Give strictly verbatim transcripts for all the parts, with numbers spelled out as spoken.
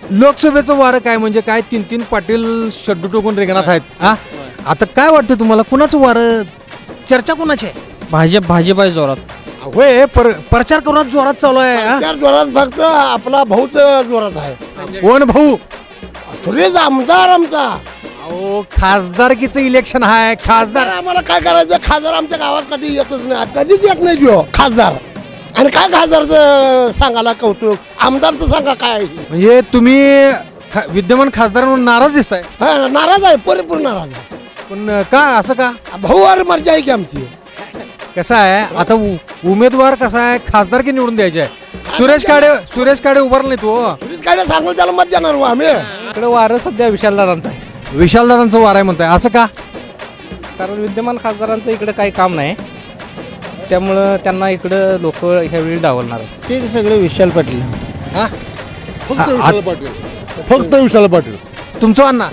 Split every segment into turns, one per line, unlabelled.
लोकसभेचं वारं काय म्हणजे काय तीन तीन पाटील शड्डू टोकून रिंगणात आहेत हा आता काय वाटतं तुम्हाला कुणाचं वारं चर्चा कुणाची आहे
भाजप भाजप आहे जोरात.
होय पर प्रचार करून जोरात चालू आहे हा?
चार जोरात फक्त आपला भाऊच जोरात आहे.
कोण भाऊ
सुरेश आमदार आमचा.
अहो खासदारकीचं इलेक्शन आहे खासदार
खासदार आम्हाला काय करायचं, खासदार आमच्या गावात कधी येतच नाही, कधीच येत नाही जो खासदार. आणि काय खासदारचं सांगायला कौतुक, आमदारचं सांगा काय आहे.
म्हणजे तुम्ही खा- विद्यमान खासदार म्हणून नाराज दिसताय
हा, नाराज आहे, परिपूर्ण नाराज आहे.
पण का असं का
भाऊ और मर्जी आहे की आमची.
कसं आहे आता उ- उमेदवार कसा आहे खासदारकी निवडून द्यायचे आहे सुरेश काडे सुरेश काडे उभारला नाही तो
सुरेश काय सांगू त्याला मत देणार हो आम्ही.
इकडे वारं सध्या विशालदारांचं आहे,
विशालदादांचं वार आहे म्हणताय असं का
कारण विद्यमान खासदारांचं इकडे काही काम नाही, त्यामुळं त्यांना इकडं लोक ह्यावेळी डावलणार.
ते सगळे विशाल पाटील.
हा?
फक्त
विशाल
पाटील फक्त विशाल पाटील.
तुमचं अण्णा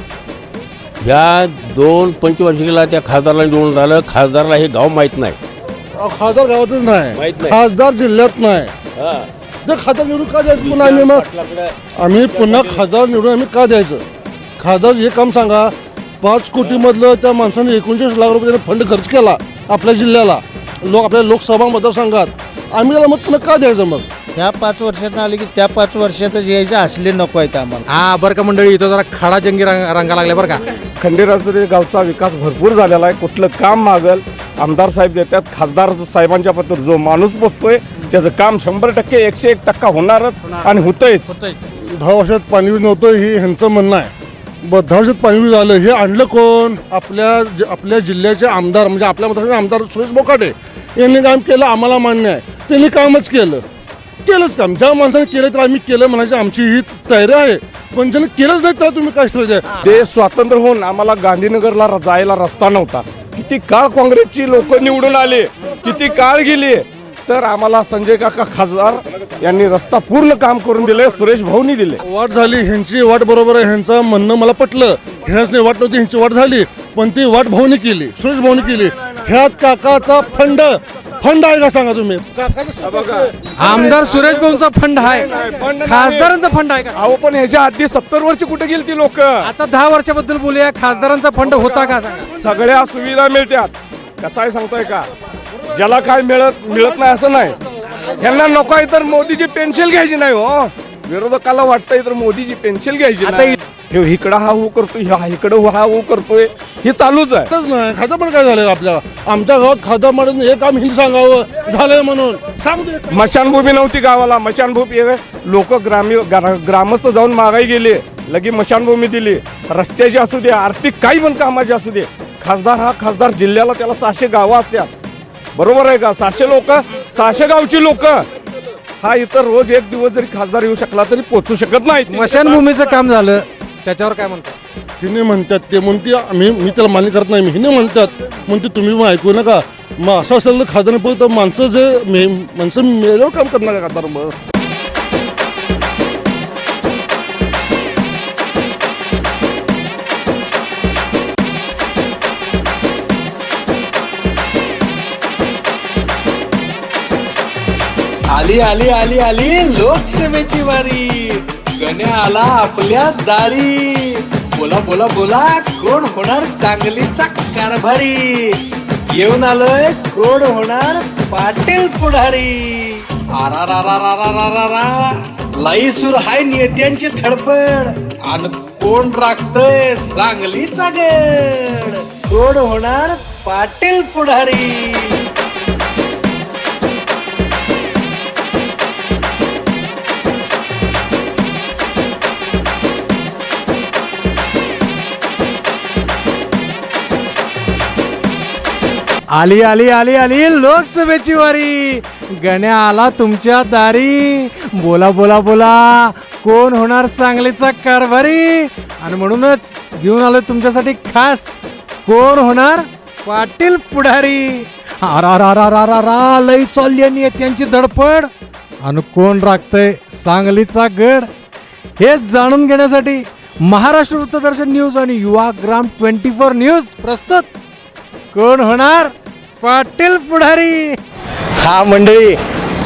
या दोन पंचवार्षिकीला त्या खासदाराला निवडून झालं. खासदाराला हे गाव माहीत नाही.
खासदार गावातच नाही,
माहित नाही.
खासदार जिल्ह्यात नाही.
हा.
ते खासदार निवडून का द्यायचं पुन्हा आम्ही मग आम्ही पुन्हा खासदार निवडून आम्ही का द्यायचं. खासदार हे काम सांगा, पाच कोटी मधलं त्या माणसाने एकोणचाळीस लाख रुपये त्याने फंड खर्च केला आपल्या जिल्ह्याला, लोक आपल्या लोकसभा मतदारसंघात, आम्ही त्याला मग पुन्हा का द्यायचं. मग
ह्या पाच वर्षात आले की त्या पाच वर्षातच यायचे असले नको आहेत आम्हाला.
हा बरं का मंडळी इथं जरा खडा जंगी रंग रंगा लागले बरं का
खंडेराजुरी गावचा विकास भरपूर झालेला आहे. कुठलं काम मागल आमदार साहेब देतात. खासदार साहेबांच्या पत्र जो माणूस बसतोय त्याचं काम शंभर टक्के एकशे एक टक्का होणारच आणि होतंयच.
दहा वर्षात पाणी वीज नव्हतं हे ह्यांचं म्हणणं आहे. ब दहा वर्षात पाणी वीज आलं हे आणलं कोण, आपल्या ज- आपल्या जिल्ह्याचे आमदार म्हणजे आपल्या मतदारसंघाचे आमदार सुरेश बोकाटे यांनी काम केलं, आम्हाला मान्य आहे. त्यांनी कामच केलं केलंच काम. ज्या माणसाने केलं तर आम्ही केलं म्हणायची आमची ही तयारी आहे, पण ज्याने केलंच नाही तर तुम्ही काय श्रेय द्या.
देश स्वातंत्र्य होऊन आम्हाला गांधीनगरला र- जायला रस्ता नव्हता. किती काळ काँग्रेसची लोक निवडून आले, किती काळ गेली, तर आम्हाला संजय काका खासदार यांनी रस्ता पूर्ण काम करून दिले. सुरेश भाऊनी दिले.
वाट झाली ह्यांची वाट बरोबर आहे, ह्यांचं म्हणणं मला पटलं. ह्याच नाही वाट नव्हती, ह्यांची वाट झाली, पण ती वाट भाऊनी केली, सुरेश भाऊनी केली. ह्यात काकाचा फंड फंड आहे का सांगा तुम्ही.
आमदार सुरेश भाऊंचा फंड आहे खासदारांचा फंड आहे का
अहो पण ह्याच्या आधी सत्तर वर्ष कुठे गेली ती लोक.
आता दहा वर्षाबद्दल बोलूया खासदारांचा फंड होता का सांगा.
सगळ्या सुविधा मिळतात. कसं आहे सांगतोय का, ज्याला काय मिळत मिळत नाही असं नाही. ह्यांना नको आहे तर मोदीची पेन्शन घ्यायची नाही हो. विरोधकाला वाटतंय तर मोदीची पेन्शन घ्यायची
आता
नाही. हे इकडं हा हो करतोय, हा इकडं हा हो करतोय, हे चालूच आहे.
खरंच नाही खातं पण काय झालं आपल्या आमच्या गावात खातं म्हणून हे काम हिंदी सांगावं झालंय म्हणून सांगतो.
मशानभूमी नव्हती गावाला. मशानभूमी लोक ग्रामीण ग्रा- ग्रामस्थ जाऊन मागाई गेले, लगे मशानभूमी दिली. रस्त्याची असू दे, आर्थिक काही पण कामाची असू दे, खासदार हा खासदार जिल्ह्याला त्याला सहाशे गावं असतात. बरोबर आहे का. सहाशे लोक सहाशे गावची लोक हा इतर रोज एक दिवस जरी खासदार येऊ शकला तरी पोचू शकत नाही.
स्मशानभूमीचं काम झालं त्याच्यावर काय म्हणतात.
हिने म्हणतात ते म्हणते आम्ही मी त्याला मान्य करत नाही. हिने म्हणतात म्हणते तुम्ही मग ऐकू नका. मग असं असेल तर खासदार पण तर माणसं जे मे माणसं मेल्यावर काम करणार का खासदार. मग
आली आली आली आली लोकसभेची वारी. गण्या आला आपल्या दारी. बोला बोला बोला कोण होणार सांगलीचा कारभारी. येऊन आलोय कोण होणार पाटील पुढारी. आरा रा रा रा रा रा रा रा लाई सुर हाय नेत्यांची धडपड. आणि कोण राखतोय सांगलीचा गड. कोण होणार पाटील पुढारी.
आली आली आली आली लोकसभेची वारी. गण्या आला तुमच्या दारी. बोला बोला बोला कोण होणार सांगलीचा कारभारी. आणि म्हणूनच घेऊन आलोय तुमच्यासाठी खास कोण होणार पाटील पुढारी. अरा रा रा रा रा रा लई चालली नेत्यांची धडपड. आणि कोण राखतंय सांगलीचा गड हे जाणून घेण्यासाठी महाराष्ट्र वृत्तदर्शन न्यूज आणि युवाग्राम ट्वेंटी फोर न्यूज प्रस्तुत कोण होणार पाटील पुढारी.
हा मंडळी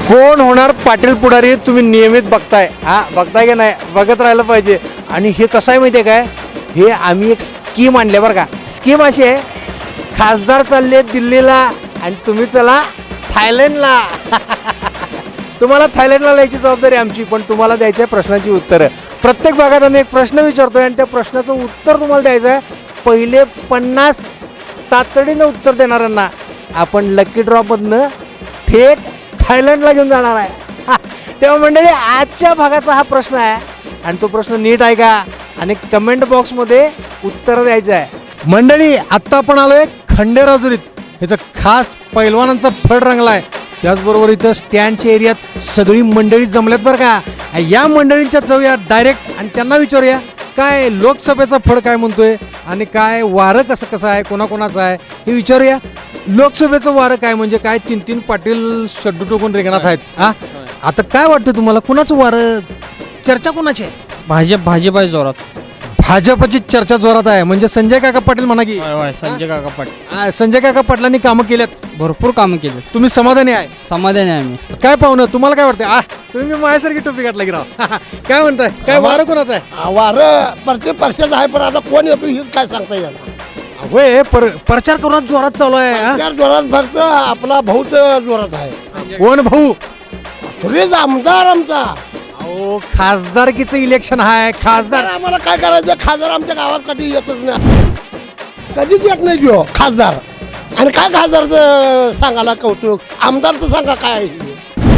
कोण होणार पाटील पुढारी तुम्ही नियमित बघताय, हा बघताय की नाही, बघत राहिलं पाहिजे. आणि हे कसं आहे माहिती आहे काय, हे आम्ही एक स्कीम आणली बरं का. स्कीम अशी आहे, खासदार चालले दिल्लीला आणि तुम्ही चला थायलंडला. तुम्हाला थायलंडला जायची जबाबदारी आमची, पण तुम्हाला द्यायची आहे प्रश्नाची उत्तरं. प्रत्येक भागात आम्ही एक प्रश्न विचारतोय आणि त्या प्रश्नाचं उत्तर तुम्हाला द्यायचं आहे. पहिले पन्नास तातडीनं उत्तर देणाऱ्यांना आपण लकी ड्रॉपमधनं थेट थायलंडला घेऊन जाणार आहे. तेव्हा मंडळी आजच्या भागाचा हा प्रश्न आहे आणि तो प्रश्न नीट आहे का आणि कमेंट बॉक्समध्ये उत्तर द्यायचं आहे. मंडळी आत्ता आपण आलोय खंडेराजुरीत. इथं खास पैलवानांचा फड रंगला आहे. त्याचबरोबर इथं स्टँडच्या एरियात सगळी मंडळी जमल्यात बरं का. या मंडळींच्यात जाऊया डायरेक्ट आणि त्यांना विचारूया काय लोकसभेचा फड काय म्हणतोय आणि काय वारं कसं कसं आहे, कोणाकोणाचं आहे हे विचारूया. लोकसभेचं वारं काय म्हणजे काय, तीन तीन पाटील शड्डू टोकून रिंगणात आहेत. हा आता काय वाटतं तुम्हाला, कुणाचं वारं, चर्चा कोणाची आहे?
भाजप भाजप आहे जोरात.
भाजपची चर्चा जोरात आहे म्हणजे संजय काका पाटील म्हणा की.
संजय काका पाटील
आ, संजय काका पाटलांनी कामं केल्यात,
भरपूर कामं केले.
तुम्ही समाधानी आहे?
समाधानी आहे आम्ही.
काय पाहुणं तुम्हाला काय वाटतं? आ तुम्ही मी माझ्यासारखी टोपी घातला की राव. काय म्हणताय, काय वारं कोणाचं आहे?
वारं प्रत्येक पक्षाचं आहे, पण आता कोण येतो हीच काय सांगता येणार.
होय पर प्रचार करून जोरात चालू आहे. हा?
त्या जोरात फक्त आपला भाऊच जोरात आहे.
कोण भाऊ?
सुरेश आमदार आमचा.
अहो खासदारकीचं इलेक्शन आहे. खासदार
खासदार आम्हाला काय करायचं, खासदार आमच्या गावात कधी येतच नाही, कधीच येत नाही जो खासदार. आणि काय खासदारचं सांगायला कौतुक, आमदारचं सांगा काय आहे.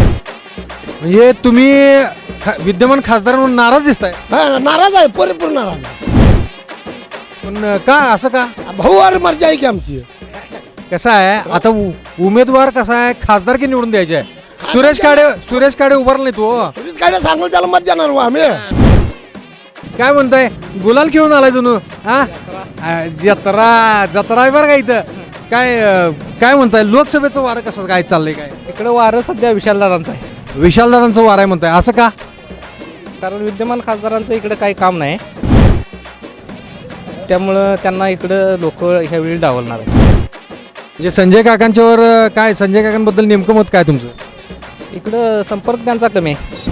म्हणजे तुम्ही खा- विद्यमान खासदार म्हणून नाराज दिसताय.
हा, नाराज आहे, परिपूर्ण नाराज आहे.
पण का असं का?
भाऊ और मर्जी आहे की आमची.
कसं आहे आता उ- उमेदवार कसा आहे, खासदारकी निवडून द्यायचे आहे. सुरेश खाडे सुरेश खाडे उभारला नाही तो.
सुरेश काय सांगू त्याला मत देणार हो आम्ही.
काय म्हणताय, गुलाल खेळून आलाय जणू. हा आ, जत्रा जत्रा आहे बरं का इथं. काय अं, काय म्हणताय, लोकसभेचं वारं कसं काय चाललंय? काय
इकडं वारं सध्या विशालदारांचं आहे,
विशालदादांचं वारं आहे म्हणताय, असं का?
कारण विद्यमान खासदारांचं इकडं काही काम नाही, त्यामुळं त्यांना इकडं लोक ह्यावेळी डावलणार आहे.
म्हणजे संजय काकांच्यावर अं, काय, संजय काकांबद्दल नेमकं मत काय तुमचं?
इकडं संपर्क त्यांचा कमी आहे.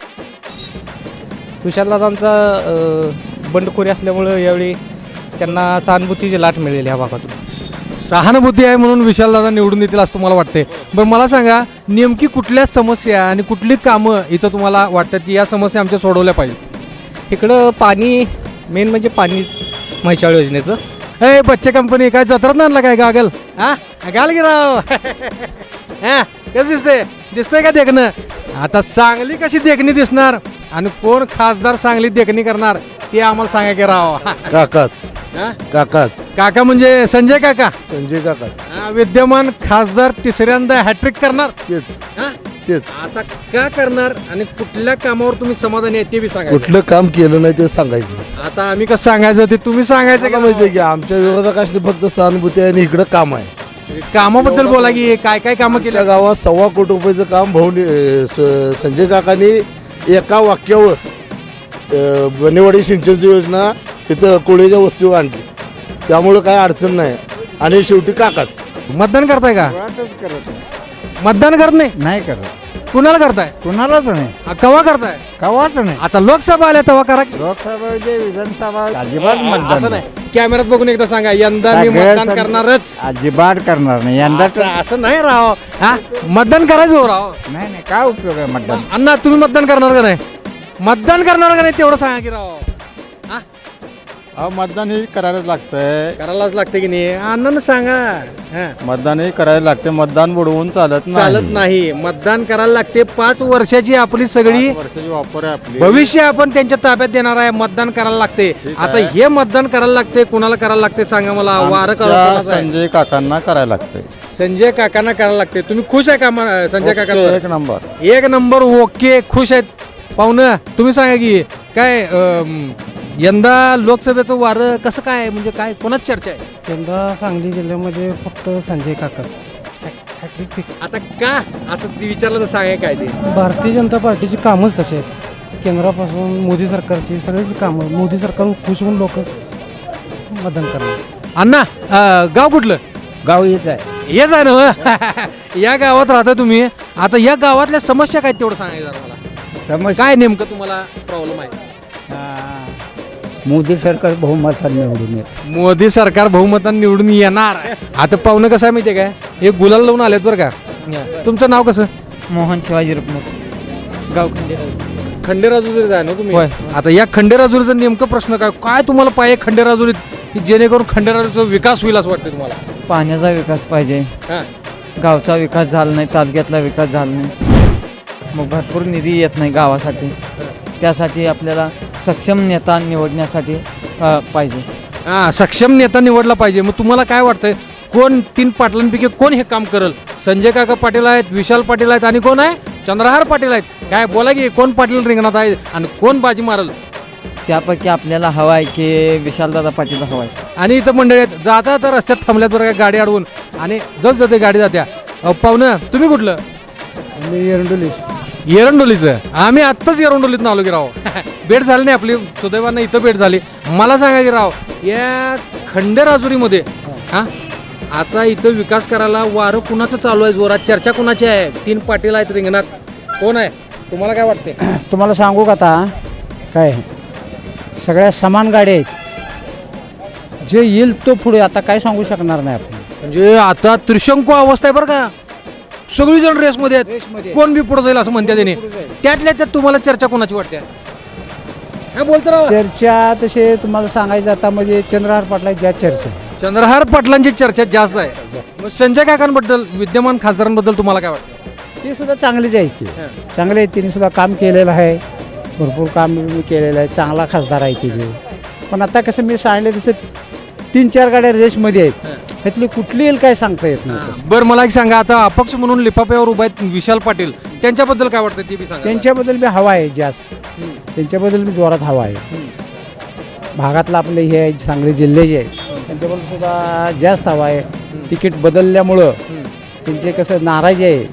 विशालदादांचा अं, बंडखोरी असल्यामुळं यावेळी त्यांना सहानुभूतीची लाट मिळेल ह्या भागातून.
सहानुभूती आहे म्हणून विशालदादा निवडून येतील असं तुम्हाला वाटते? बरं मला सांगा, नेमकी कुठल्या समस्या आणि कुठली कामं इथं तुम्हाला वाटतात की या समस्या आमच्या सोडवल्या पाहिजे?
इकडं पाणी मेन म्हणजे पाणीच, म्हैसाळ योजनेचं.
ए बच्चे कंपनी काय जत्रात आणला काय गागल? हा गाल की राव. हा कसं दिसतंय, दिसतंय का देखणं? आता सांगली कशी देखणी दिसणार आणि कोण खासदार सांगली देखणी करणार ते आम्हाला सांगा की राव.
काकाच
हा?
काकाच
काका म्हणजे संजय काका.
संजय काकाच
हा, विद्यमान खासदार तिसऱ्यांदा हॅट्रिक करणार.
तेच
हा?
तेच.
आता का करणार आणि कुठल्या कामावर तुम्ही समाधानी आहे ते बी सांगा.
कुठलं काम केलं नाही ते सांगायचं.
आता आम्ही कसं सांगायचं ते तुम्ही सांगायचं
मला
का?
माहिती आहे की आमच्या विरोधकाशी फक्त सहानुभूती आहे आणि इकडं काम आहे.
कामाबद्दल बोला की काय काय कामं
आमच्या
केल्या.
गावात सव्वा कोटी रुपयाचं काम भाऊनी अं, स- संजय काकांनी एका वाक्यावर अं, बनेवाडी सिंचनची योजना इथं कोळीच्या वस्तीवर आणली, त्यामुळं काय अडचण नाही. आणि शेवटी काकाच.
मतदान करताय का? मतदान करत नाही?
नाही करत,
कुणाला करताय?
कुणालाच नाही,
आ, कवा करताय?
कवाच नाही.
आता लोकसभा आल्या तेव्हा करा की.
लोकसभा विधानसभा
आ, असं नाही, कॅमेऱ्यात बघून एकदा सांगा यंदा मी
सगळ्या
मतदान
सं-
करणारच.
अजिबात करणार नाही यंदा.
असं असं नाही राव. हा मतदान करायचं हो राव.
नाही नाही, काय उपयोग आहे मतदान.
अण्णा तुम्ही मतदान करणार का नाही? मतदान करणार का नाही तेवढं सांगा की राव. हा
मतदान हे करायलाच लागतंय.
करायलाच लागते की नाही? अण्णांना सांगा. हा
मतदान हे करायला लागते. मतदान बुडवून चालत नाही.
चालत नाही, मतदान करायला लागते. पाच वर्षाची आपली सगळी
पाच वर्षाची वापर आहे आपली.
भविष्य आपण त्यांच्या ताब्यात देणार आहे. मतदान करायला लागते. आता हे मतदान करायला लागते, कुणाला करायला लागते सांगा मला. वारं
आमच्या
करायला
संजय काकांना करायला लागतंय.
संजय काकांना करायला लागते. तुम्ही खुश आहे का म- संजय
ओके,
काका?
एक नंबर.
एक नंबर ओके, खुश आहेत. पाहुणं तुम्ही सांगा की काय अं, यंदा लोकसभेचं वारं कसं काय, म्हणजे काय कोणाच चर्चा आहे?
यंदा सांगली जिल्ह्यामध्ये फक्त संजय काकाच हॅट्रिक फिक्स.
आता का असं ते विचारलं तर सांगा काय ते.
भारतीय जनता पार्टीची कामच तशी आहेत. केंद्रापासून मोदी सरकारची सगळ्याची कामं, मोदी सरकार खुश होऊन लोक मतदान करणार.
अण्णा अं, गाव कुठलं?
गाव येत आहे.
हेच आहे ना. या गावात राहता तुम्ही, आता या गावातल्या समस्या काय तेवढं सांगायचं जरा मला.
समस्या
काय नेमकं तुम्हाला प्रॉब्लेम आहे?
मोदी सरकार बहुमतात निवडून येत.
मोदी सरकार बहुमताने निवडून येणार. आता पाहुणं कसं आहे माहितीये काय, हे गुलाल लावून आलेत बरं का. तुमचं नाव कसं?
मोहन शिवाजी रुपमुख, गाव खंडेराव.
खंडेराजुरीच आहे ना तुम्ही?
होय.
आता या खंडेराजुरीचा नेमकं प्रश्न काय काय तुम्हाला पाहिजे खंडेराजुरीत, की जेणेकरून खंडेराजुरीचा विकास होईल असं वाटतं तुम्हाला?
पाण्याचा विकास पाहिजे,
हां.
गावचा विकास झाला नाही, तालुक्यातला विकास झाला नाही, मग भरपूर निधी येत नाही गावासाठी. त्यासाठी आपल्याला सक्षम नेता निवडण्यासाठी अ, पाहिजे.
हां, सक्षम नेता निवडला पाहिजे. मग तुम्हाला काय वाटतंय, कोण तीन पाटलांपैकी कोण हे काम करेल? संजय काका पाटील आहेत, विशाल पाटील आहेत, आणि कोण आहे? चंद्रहार पाटील आहेत. काय बोला की कोण पाटील रिंगणात आहे आणि कोण बाजी मारल?
त्यापैकी आपल्याला हवा आहे की विशालदादा पाटील हवा आहे.
आणि इथं मंडळी आहेत, जाता तर रस्त्यात थांबल्यात बरं, काय गाडी अडवून, आणि जस जाते गाडी जात्या. अहो, पाहुणं तुम्ही कुठलं?
मी एरंडोलीस.
एरंडोलीचं. आम्ही आत्ताच एरंडोलीत आलो की राव. भेट झाली नाही आपली, सुदैवानं इथं भेट झाली. मला सांगा की राव, या खंडेराजुरीमध्ये हां आता इथं विकास करायला वारं कुणाचं चालू आहे जोरात? चर्चा कुणाची आहे? तीन पाटील आहेत रिंगणात, कोण आहे? तुम्हाला काय वाटते?
तुम्हाला सांगू का आता काय, सगळ्या समान गाड्या आहेत, जे येईल तो पुढे, आता काय सांगू शकणार नाही आपण.
म्हणजे आता त्रिशंकू अवस्था आहे बरं का. सगळीजण रेसमध्ये आहेत, कोण बी पुढे जाईल असं म्हणते त्यांनी. त्यातल्या त्यात तुम्हाला चर्चा कोणाची वाटते? काय बोलतो राव?
चर्चा तसे तुम्हाला सांगायचं आता म्हणजे चंद्रहार पाटला ज्या चर्चा,
चंद्रहार पाटलांची चर्चा जास्त आहे. मग संजय काकांबद्दल, विद्यमान खासदारांबद्दल तुम्हाला काय वाटतं?
ते सुद्धा चांगलेच आहेत की, चांगले आहेत. त्यांनी सुद्धा काम केलेलं आहे, भरपूर काम मी केलेलं आहे, चांगला खासदार आहे तिथे. पण आता कसं मी सांगितलं तसं तीन चार गाड्या रेसमध्ये आहेत, ह्यातली कुठली येईल काय सांगता येत नाही.
बरं, मला एक सांगा, आता अपक्ष म्हणून लिफाफ्यावर उभा आहेत विशाल पाटील, त्यांच्याबद्दल काय वाटतं ते बी सांगा.
त्यांच्याबद्दल बी हवा आहे जास्त, त्यांच्याबद्दल बी जोरात हवा आहे. भागातलं आपले हे आहे, सांगली जिल्ह्याचे आहे, त्यांच्याबद्दल सुद्धा जास्त हवा आहे. तिकीट बदलल्यामुळं त्यांचे कसं नाराजी आहे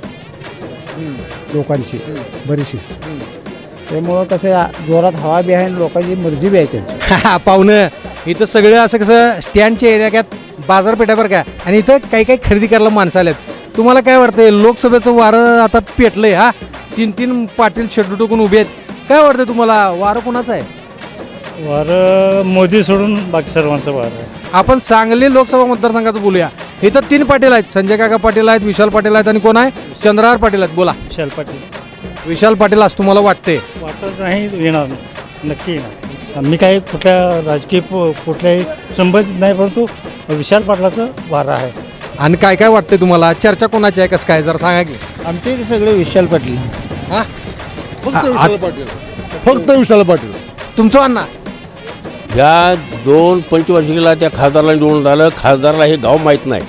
लोकांची बरीचशीच, त्यामुळं कसं जोरात हवा बी आहे आणि लोकांची मर्जी बी आहे त्यांची.
पाहुणं इथं सगळं असं कसं स्टँडच्या एरियात बाजारपेठा बरं का, आणि इथं काही काही खरेदी करायला माणसं आल्यात. तुम्हाला काय वाटतंय, लोकसभेचं वारं आता पेटलंय, हा तीन तीन पाटील शेड्यू टोकून उभे आहेत, काय वाटतं तुम्हाला, वारं कोणाचं आहे?
वारं मोदी सोडून बाकी सर्वांचं वारं आहे.
आपण सांगली लोकसभा मतदारसंघाचं बोलूया. इथं तीन पाटील आहेत, संजय काका पाटील आहेत, विशाल पाटील आहेत, आणि कोण आहे? चंद्रहार पाटील आहेत. बोला.
विशाल पाटील.
विशाल पाटील असं तुम्हाला वाटते?
वाटत नाही येणार, नक्की येणार. मी काही कुठल्या राजकीय पु- कुठल्याही संबंधित नाही, परंतु विशाल पाटलाचं वारं आहे.
आणि काय काय वाटतंय तुम्हाला, चर्चा कोणाची आहे, कसं काय, जरा सांगा की.
आमचे इथे सगळे विशाल पाटील.
हा,
फक्त विशाल पाटील, फक्त विशाल पाटील.
तुमचं अण्णा?
ह्या दोन पंचवार्षिकीला त्या खासदारला निवडून आलं. खासदारला हे गाव माहीत नाही.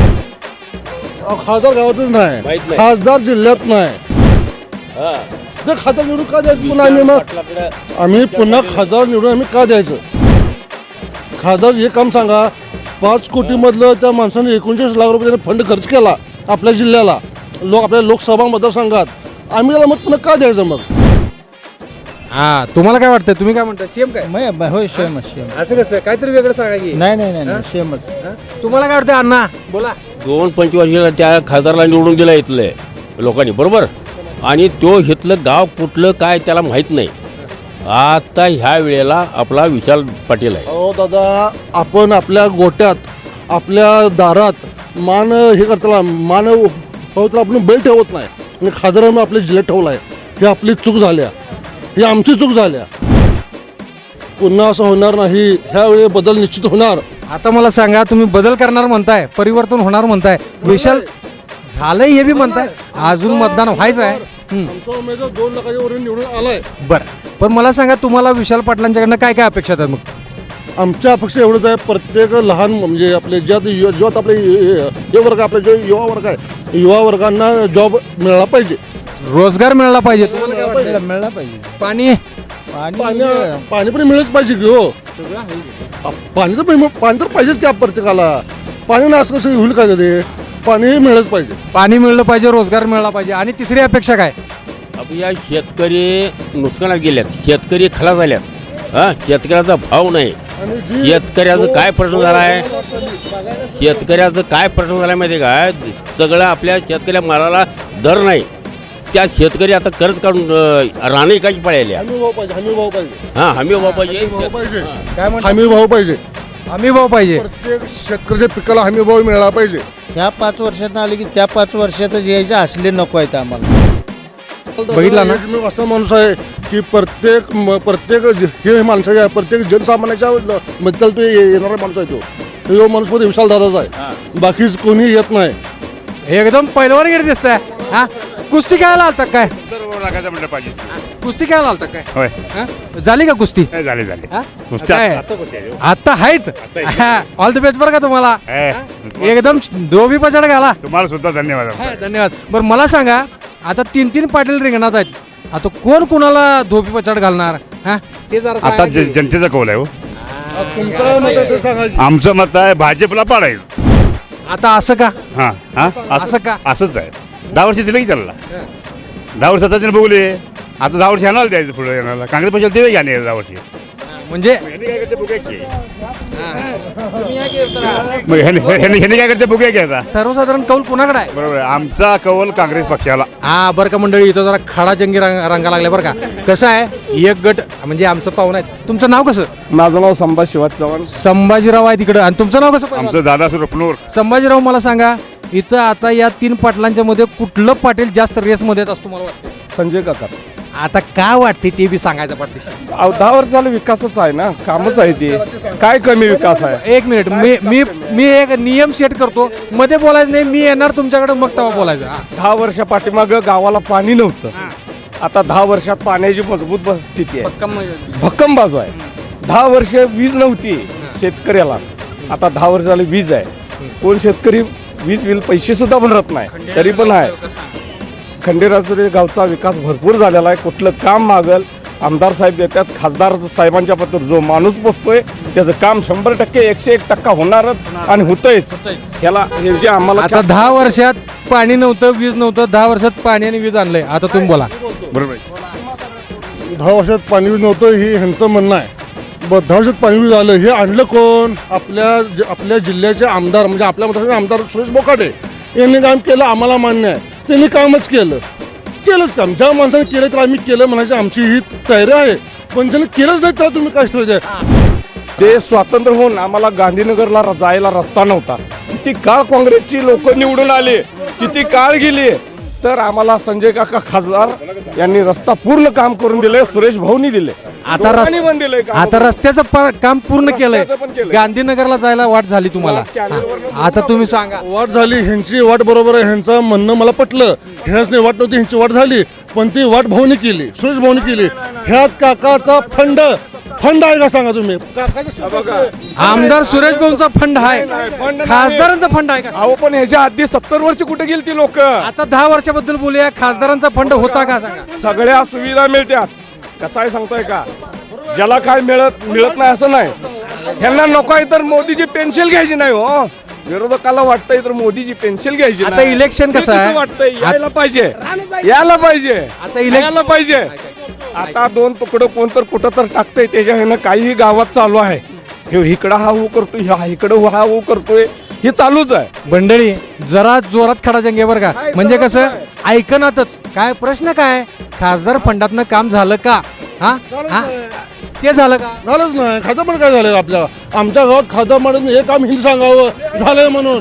अहो, खासदार गावातच नाही,
माहित नाही.
खासदार जिल्ह्यात नाही.
हा.
ते खासदार निवडून का द्यायचं पुन्हा आम्ही? मग
पाटलाकडे
आम्ही पुन्हा खासदार निवडून आम्ही का द्यायचं? खासदार हे काम सांगा, पाच कोटीमधलं त्या माणसाने एकोणचाळीस लाख रुपये फंड खर्च केला आपल्या जिल्ह्याला, लोक आपल्या लोकसभा मतदारसंघात, आम्ही त्याला मग पुन्हा का द्यायचं? मग
हा, तुम्हाला काय वाटतं, तुम्ही काय म्हणता? सेम काय?
होय सेमच सेम.
असं कसं, काहीतरी वेगळं सांगा की.
नाही नाही नाही सेमच.
हा? तुम्हाला काय वाटतं अण्णा? बोला.
दोन पंचवार्षिकीला त्या खासदारला निवडून दिलं इथले लोकांनी, बरोबर, आणि तो इथलं गाव कुठलं काय त्याला माहीत नाही. आता ह्या वेळेला आपला विशाल पाटील आहे.
अहो दादा, आपण आपल्या गोट्यात, आपल्या दारात मान हे करताना मान हो तर आपण बैल ठेवत नाही, आणि खासदारांनी आपल्या जिल्ह्यात ठेवला आहे. ही आपली चूक झाल्या, ही आमची चूक झाल्या. पुन्हा असं होणार नाही, ह्यावेळी बदल निश्चित होणार.
आता मला सांगा, तुम्ही बदल करणार म्हणताय, परिवर्तन होणार म्हणताय, विशाल झालंय हे बी म्हणताय, अजून मतदान व्हायचं आहे. हम्म.
आमचा उमेदवार दोन लाखाच्या वरून निवडून आलाय.
बरं, पण मला सांगा, तुम्हाला विशाल पाटलांच्याकडनं काय काय अपेक्षा आहेत मग?
आमच्या अपेक्षा एवढंच आहे, प्रत्येक लहान म्हणजे आपले ज्यात यु- ज्यात आपले हे वर्ग, आपले जे युवा वर्ग आहे, युवा वर्गांना जॉब मिळाला पाहिजे,
रोजगार मिळाला पाहिजे. तुम्हाला काय
मिळाला
वाटतं?
मिळाला पाहिजे.
पाणी?
पाणी पाणी पण मिळच पाहिजे की हो. पाणी तर पाणी तर पाहिजेच की प्रत्येकाला. पाणी ना असं कसं होईल का ते? पाणी मिळच पाहिजे.
पाणी मिळलं पाहिजे, रोजगार मिळाला पाहिजे, आणि तिसरी अपेक्षा काय?
अब या शेतकरी नुकसानात गेल्यात, शेतकरी खलास झाल्यात. हा, शेतकऱ्याचा भाव नाही.
आणि जी
शेतकऱ्याचं काय प्रश्न झाला आहे शेतकऱ्याचं काय प्रश्न झाला माहिती आहे का सगळं आपल्या शेतकऱ्या मालाला दर नाही त्या शेतकरी आता कर्ज काढून अं, राणे एकाची पळायली
हमी भाव पाहिजे हमी भाव पाहिजे
हां हमी भाव पाहिजे
भाव पाहिजे
काय म्हणतो
हमी भाव पाहिजे
आम्ही भाऊ पाहिजे
प्रत्येक शेतकऱ्याच्या पिकाला हमी भाव मिळाला पाहिजे.
ह्या पाच वर्षात आले की त्या पाच वर्षातच यायचे असले नको आहेत आम्हाला.
बघितला ना?
एक मी असा माणूस आहे की प्रत्येक म- प्रत्येक ज- हे माणसाच्या प्रत्येक जनसामान्याच्या बद्दल तो ये- येणारा माणूस आहे तो तो माणूस मध्ये विशाल दादाचा आहे बाकीच कोणी येत नाही.
एकदम पहिलवान गिरी दिसतंय हा कुस्ती खेळायला आलता काय
लागायचं म्हणलं पाहिजे
कुस्ती खेळायला आलता काय
होय
हा? झाली का कुस्ती
झाले झाले
हा?
कुस्ती
काय?
आता कुस्ती आहे.
आता आहेत ऑल द बेस्ट बरं का तुम्हाला
ए,
एकदम दोबी पछाड घाला
तुम्हाला सुद्धा धन्यवाद
हा, धन्यवाद बरं मला सांगा आता तीन तीन पाटील रिंगणात आहेत आता कोण कोणाला धोबी पछाड घालणार हा ते जरा सांगा
आता
की.
ज- जनतेचा कौल आहे हो
तुमचं मत आहे ते सांगा की.
आमचं मत आहे भाजपला पाडायचं
आता असं का
हां हां
असं का?
असंच आहे दहा वर्ष दिलं की त्याला दहा वर्षाचा त्याने बघले आता दहा वर्ष येणार द्यायचं पुढे येणार काँग्रेस पक्षाला देवे घ्या नाही दहा वर्षी
म्हणजे
ह्याने काय करते बघूया की मग ह्याने ह्याने- ह्याने काय करते बघूया की आता
सर्वसाधारण कौल कोणाकडे आहे
बरोबर आहे आमचा कौल काँग्रेस पक्षाला
हा बरं का मंडळी इथं जरा खडा जंगी रंग रंगा लागले बरं का कसं आहे एक गट म्हणजे आमचं पाहुणं आहे तुमचं नाव कसं
माझं नाव संभाजी शिवाजी चव्हाण
संभाजीराव आहे तिकडं आणि तुमचं नाव कसं पहिलवान?
आमचं दादा सुरपनूर
संभाजीराव मला सांगा इथं आता या तीन पाटलांच्या मध्ये कुठलं पाटील जास्त रेसमध्ये येत असतो मला वाटतं
संजय काका
आता काय वाटते ते बी सांगायचं पाठीशी
अहो, दहा वर्ष झालं विकासच आहे ना कामच आहे ते काय कमी विकास आहे
एक मिनिट मी मी मी एक नियम सेट करतो मध्ये बोलायचं नाही मी येणार तुमच्याकडे मग तेव्हा बोलायचं हा.
दहा वर्षा पाठीमागं गावाला पाणी नव्हतं आता दहा वर्षात पाण्याची मजबूत ब- स्थिती आहे भक्कम बाजू आहे दहा वर्ष वीज नव्हती शेतकऱ्याला आता दहा वर्ष झाली वीज आहे कोण शेतकरी वीज बिल पैसे सुद्धा भरत नाही तरी पण आहे खंडेराजुरी गावचा विकास भरपूर झालेला आहे कुठलं काम मागल आमदार साहेब देतात खासदार साहेबांच्या पत्र जो माणूस पोचतोय त्याचं काम शंभर टक्के एकशे एक टक्का होणारच आणि होतंयच ह्याला हे जे आम्हाला
आता दहा वर्षात पाणी नव्हतं वीज नव्हतं दहा वर्षात पाणी आणि वीज आणलंय आता तुम्ही बोला
बरोबर आहे.
दहा वर्षात पाणी वीज नव्हतं हे ह्यांचं म्हणणं आहे ब दहा वर्षात पाणी वीज आलं हे आणलं कोण आपल्या ज- आपल्या जिल्ह्याचे आमदार म्हणजे आपल्या मतदारसंघाचे आमदार सुरेश बोकाटे यांनी काम केलं आम्हाला मान्य आहे त्यांनी कामच केलं केलंच काम ज्या माणसाने केलं तर आम्ही केलं म्हणायची आमची ही तयारी आहे पण ज्याने केलंच नाही तर तुम्ही काय स्थिती आहे
ते स्वातंत्र्य होऊन आम्हाला गांधीनगरला र- जायला रस्ता नव्हता किती काळ काँग्रेसची लोक निवडून आले किती काळ गेली तर आम्हाला संजय काका खासदार यांनी रस्ता पूर्ण काम करून दिले सुरेश भाऊनी दिले
आता
दोघांनी पण दिलंय
रस-
काम.
आता रस्त्याचं प- काम पूर्ण केलंय
रस्त्याचं पण केलंय.
गांधीनगरला जायला वाट झाली तुम्हाला हा. आता तुम्ही सांगा
वाट झाली ह्यांची वाट बरोबर आहे ह्यांचं म्हणणं मला पटलं ह्याच नाही वाट नव्हती ह्यांची वाट झाली पण ती वाट भाऊनी केली सुरेश भाऊनी केली ह्यात काकाचा फंड फंड आहे का सांगा तुम्ही काकाचा शब्द आहे.
आमदार सुरेश भाऊंचा फंड आहे
फंड नाही.
खासदारांचा फंड आहे का
अहो पण ह्याच्या आधी सत्तर वर्ष कुठे गेली ती लोक
आता दहा वर्षाबद्दल बोलूया खासदारांचा फंड होता का सांगा
सगळ्या सुविधा मिळतात कसं आहे सांगतोय का ज्याला काय मिळत मिळत नाही असं नाही ह्यांना नको आहे तर मोदीची पेन्शन घ्यायची नाही हो विरोधकाला वाटतंय तर मोदीची पेन्शन घ्यायची
आता
नाही.
इलेक्शन
ते
कसं आहे?
वाटतंय यायला पाहिजे यायला पाहिजे
आता इलेक्शन-
यायला पाहिजे आता दोन तुकडं कोण तर कुठं तर टाकतंय त्याच्या ह्यानं काही गावात चालू आहे हे इकडं हा हो करतोय हा इकडं हा हो करतोय हे चालूच आहे
मंडळी जरा जोरात खडा जंगे बरं का म्हणजे कसं ऐकनातच काय प्रश्न काय खासदार फंडातनं काम झालं का हा हा? ते झालं का
झालंच नाही खातं पण काय झालं आपल्या आमच्या गावात खातं म्हणून हे काम हिंदी सांगावं झालंय म्हणून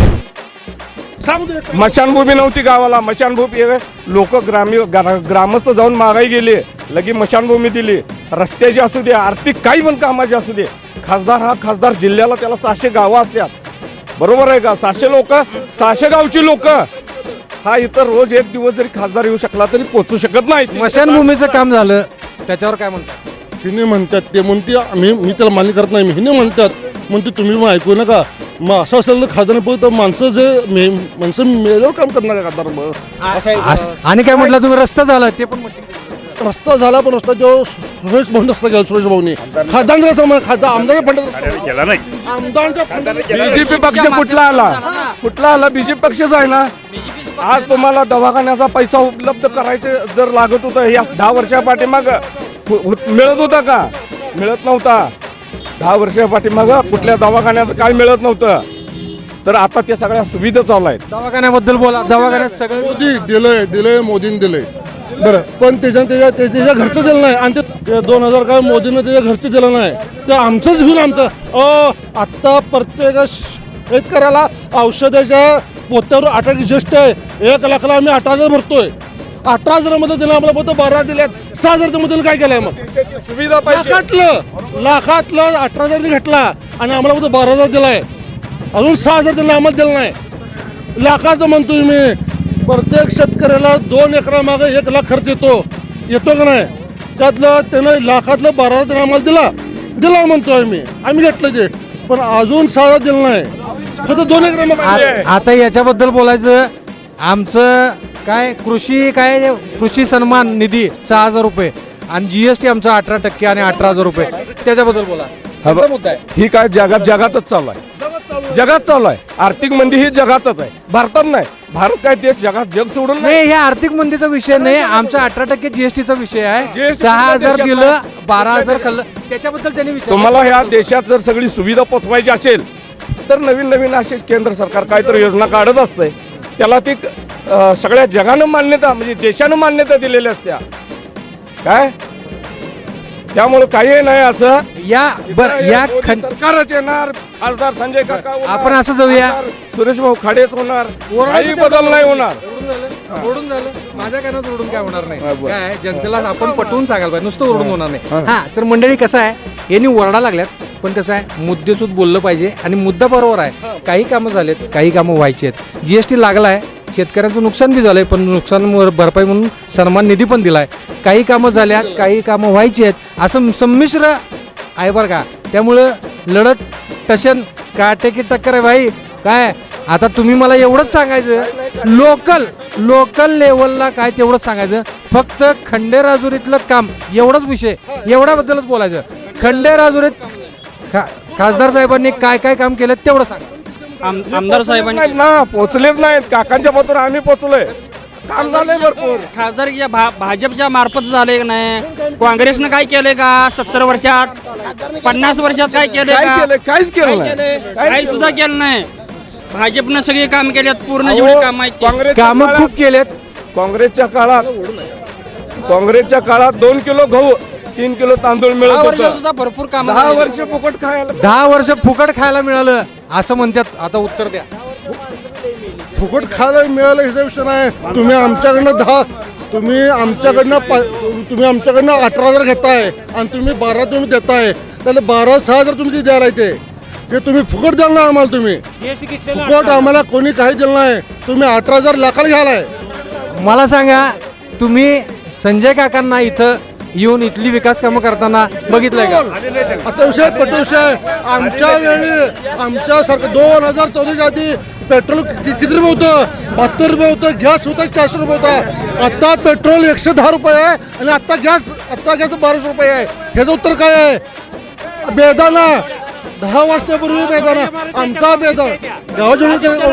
सांगू दे.
मशानभूमी नव्हती गावाला मशानभूमी लोक ग्रामीण ग्रा- ग्रामस्थ जाऊन मागाई गेले लगी मशानभूमी दिली रस्त्याची असू दे आर्थिक काही पण कामाची असू दे खासदार हा खासदार जिल्ह्याला त्याला सहाशे गावं असतात बरोबर आहे का सहाशे लोक सहाशे गावची लोक हा इतर रोज एक दिवस जरी खासदार येऊ शकला तरी पोचू शकत नाही
स्मशानभूमीचं काम झालं त्याच्यावर काय म्हणतात
हिने म्हणतात ते म्हणते आम्ही मी त्याला मान्य करत नाही हिने म्हणतात म्हणते तुम्ही मग ऐकू नका मग असं असेल तर खासदार पण तर माणसं जे मे माणसं मेल्यावर काम करणार का खासदार मग असं आहे का?
असं- आणि काय म्हटलं तुम्ही रस्ता झाला ते पण म्हटलं
रस्ता झाला पण रस्ता जो सुरेश भाऊ रस्ता गेला सुरेश भाऊनी खासदारांचा कसं म्हण खासदार आमदार फंडात
केला नाही
आमदारांच्या फंडात
बीजेपी पक्ष कुठला आला कुठला आला बीजेपी पक्षच आहे ना आज तुम्हाला दवाखान्याचा पैसा उपलब्ध करायचे जर लागत होतं या दहा वर्षा पाठीमाग मिळत होता का मिळत नव्हता दहा वर्षा पाठीमागं कुठल्या दवाखान्याचं काय मिळत नव्हतं, तर आता त्या सगळ्या सुविधा चालू आहेत.
दवाखान्याबद्दल बोला. दवाखान्यात सगळं
मोदी दिलंय दिलंय मोदीने दिलंय बरं, पण त्याच्या त्याच्या त्या- त्याच्या घरचं दिलं नाही आणि ते दोन हजार काय मोदीनं त्याच्या घरचं दिलं नाही, ते आमचंच घेऊन आमचं अ आत्ता प्रत्येक शेतकऱ्याला औषधाच्या पोत्यावर अठरा ज्येष्ठ आहे. एक लाखाला आम्ही अठरा हजार भरतोय. अठरा हजारामध्ये दिलं आम्हाला फक्त बारा दिल्यात. सहा हजारच्या मध्ये काय केलंय मग?
देशाची सुविधा पाहिजे.
लाखातलं लाखातलं अठरा हजार घेतला आणि आम्हाला फक्त बारा हजार दिलाय. अजून सहा हजार दिला आम्हाला दिलं नाही. लाखाचं म्हणतोय मी. प्रत्येक शेतकऱ्याला दोन एकरा मागे एक लाख खर्च येतो येतो का नाही? त्यातलं त्यानं लाखातलं बारा हजार आम्हाला दिला दिला म्हणतोय मी. आम्ही घेतलं ते, पण अजून सहा हजार दिलं नाही. फक्त दोन एकरा मागे.
आ- आता याच्याबद्दल बोलायचं. आमचं काय कृषी काय कृषी सन्मान निधी सहा हजार रुपये आणि जीएसटी आमचा अठरा टक्के आणि अठरा हजार रुपये. त्याच्याबद्दल बोला. कोणता मुद्दा आहे?
ही काय जगात जगातच चालू आहे. जगात चालू आहे. आर्थिक मंदी ही जगातच आहे, भारतात नाही. भारत काय देश जगात जग सोडून नाही.
नाही, हे आर्थिक मंदीचा विषय नाही. आमचा अठरा टक्के जीएसटीचा विषय आहे.
G S T
सहा हजार
देशात
दिलं,
नाही.
बारा हजार खाल्लं. त्याच्याबद्दल त्यांनी विचार.
तुम्हाला ह्या देशात जर सगळी सुविधा पोचवायची असेल तर नवीन नवीन असे केंद्र सरकार काहीतरी योजना काढत असते. त्याला ती अ, सगळ्या जगानं मान्यता म्हणजे देशानं मान्यता दिलेल्या असत्या काय. त्यामुळे काही नाही असं
या बर या
मोदी
खं-
सरकारच येणार. खासदार संजय काका होणार,
आपण असं जाऊया.
खासदार सुरेश भाऊ खाडेच होणार.
ओरडायचं
काही
तेवढं
बदल नाही होणार.
ओरडून झालं, ओरडून झालं. माझ्या कानात ओरडून काय होणार नाही.
हा, बरं.
काय जनतेला आपण पटवून सांगायला पाहिजे, नुसतं ओरडून होणार नाही. हा तर मंडळी कसं आहे, यांनी ओरडा लागल्यात पण कसं आहे मुद्देसूद बोललं पाहिजे आणि मुद्दा बरोबर आहे. काही कामं झालेत, काही कामं व्हायची आहेत. जीएसटी लागला आहे, शेतकऱ्यांचं नुकसान बी झालंय पण नुकसान भरपाई म्हणून सन्मान निधी पण दिलाय. काही कामं झाल्यात, काही कामं व्हायची आहेत. असं संमिश्र आहे बरं का. त्यामुळं लढत टशन काटेकी टक्कर आहे भाई. काय आता तुम्ही मला एवढंच सांगायचं, लोकल लोकल लेवलला काय तेवढंच सांगायचं. फक्त खंडेराजुरीतलं काम एवढंच विषय, एवढ्याबद्दलच बोलायचं. खंडेराजुरीत खा खासदार साहेबांनी काय काय काम केलं तेवढं सांगा.
आमदार साहेबांनी
नाहीत ना, पोचलेच नाहीत. काकांच्या पत्र आम्ही पोचलोय. काम झालंय भरपूर.
खासदारच्या भा भाजपच्या मार्फत झाले का नाही? काँग्रेसनं काय केलंय का सत्तर वर्षात, पन्नास वर्षात काय केलंय
काय
का?
केलं? काहीच केलं
काय
नाही.
केलंय?
काहीच
काही सुद्धा केलं नाही. भाजपनं सगळी काम केल्यात, पूर्ण
अहो,
जेवढी काम आहेत ती.
काँग्रेसच्या
कामं
काळात-
खूप केलेत.
काँग्रेसच्या काळात काँग्रेसच्या काळात दोन किलो गहू तीन किलो तांदूळ मिळत
दहा वर्षात
होतं.
सुद्धा भरपूर काम
दहा वर्ष फुकट खायला.
दहा वर्ष फुकट खायला मिळालं असं म्हणतात. आता उत्तर द्या.
फुकट खायला मिळालं ह्याचा विषय नाही. तुम्ही आमच्याकडनं दहा तुम्ही आमच्याकडनं पा तुम्ही आमच्याकडनं अठरा हजार घेताय आणि तुम्ही बारा तुम्ही देताय. त्याला बारा सहा हजार तुम्ही ते द्यायला येते. ते तुम्ही फुकट द्याल ना आम्हाला. तुम्ही फुकट आम्हाला कोणी काही दिलं नाही. तुम्ही अठरा हजार लाखाला घ्यायलाय.
मला सांगा, तुम्ही संजय काकांना इथं येऊन इथली विकास कामं करताना बघितलंय का?
आता विषय पेट्रोल विषय आमच्या वेळी आमच्या सारखं दोन हजार चौदाच्या आधी पेट्रोल कि- किती रुपये होतं? बहात्तर रुपये होतं. गॅस होता चारशे रुपये होता. आता पेट्रोल एकशे दहा रुपये आहे आणि आता गॅस आता गॅस बाराशे रुपये आहे. ह्याचं उत्तर काय आहे? बेदाना दहा वर्षापूर्वी बेदाना आमचा बेदाना गावाच्या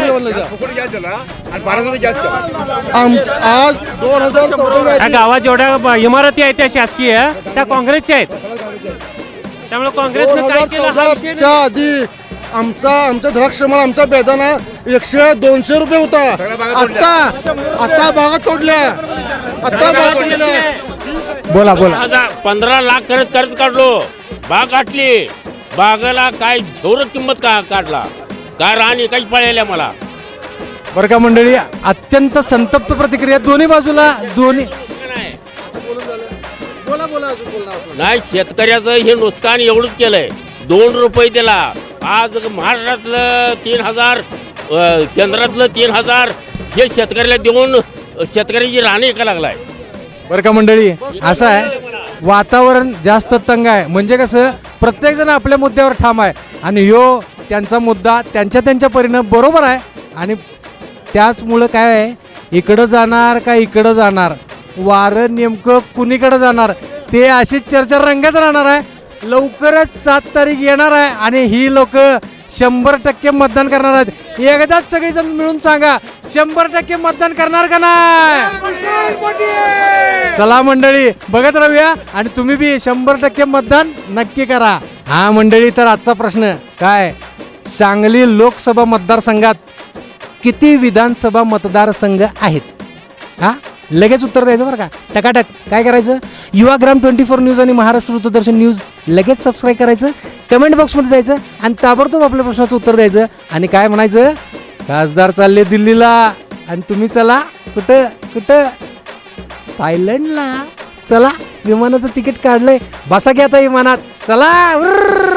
आज दोन हजार चौदा
गावात जेवढ्या इमारती आहेत त्या शासकीय त्या काँग्रेसच्या आहेत. त्यामुळे
दोन
काँग्रेसनं काय
हजार
केलं हा विषय नाही.
चौदाच्या आधी आमचा आमचा द्राक्षमाळ आमचा बेदाना एकशे दोनशे रुपये होता. आता आता बागा तोडल्या आता बागा तोडल्या.
बोला बोला.
हजार पंधरा लाख कर्ज कर्ज काढलो, बाग गाठली. बागाला काय झोर किंमत का काढला काय राणी काही पळायला मला.
बरं का मंडळी, अत्यंत संतप्त प्रतिक्रिया दोन्ही बाजूला. दोन्ही बोला बोला
नाही, शेतकऱ्याचं हे नुकसान एवढंच केलंय. दोन रुपये दिला. आज महाराष्ट्रातलं तीन हजार अ, केंद्रातलं तीन हजार हे शेतकऱ्याला देऊन शेतकऱ्याची राणी का लागलाय.
बरं का मंडळी, असं आहे वातावरण जास्त तंग आहे. म्हणजे कसं प्रत्येक जण आपल्या मुद्द्यावर ठाम आहे आणि ह्यो त्यांचा मुद्दा त्यांच्या त्यांच्या परीनं बरोबर आहे. आणि त्याचमुळं काय आहे, इकडं जाणार का इकडं जाणार, वारं नेमकं कुणीकडं जाणार ते अशीच चर्चा रंगत राहणार आहे. लवकरच सात तारीख येणार आहे आणि ही लोक शंभर टक्के मतदान करणार आहेत. एकदाच सगळेजण मिळून सांगा, शंभर टक्के मतदान करणार का नाही? चला मंडळी, बघत राहूया आणि तुम्ही बी शंभर टक्के मतदान नक्की करा. हा मंडळी, तर आजचा प्रश्न काय, सांगली लोकसभा मतदारसंघात किती विधानसभा मतदारसंघ आहेत? हा लगेच उत्तर द्यायचं बरं का, टकाटक. काय करायचं, युवाग्राम ट्वेंटी फोर न्यूज आणि महाराष्ट्र वृत्तदर्शन न्यूज लगेच सबस्क्राईब करायचं, कमेंट बॉक्समध्ये जायचं आणि ताबडतोब आपल्या प्रश्नाचं उत्तर द्यायचं आणि काय म्हणायचं, खासदार चालले दिल्लीला आणि तुम्ही चला कुठं कुठं थायलंडला. चला, विमानाचं तिकीट काढलंय, बसा घ्या आता विमानात, चला.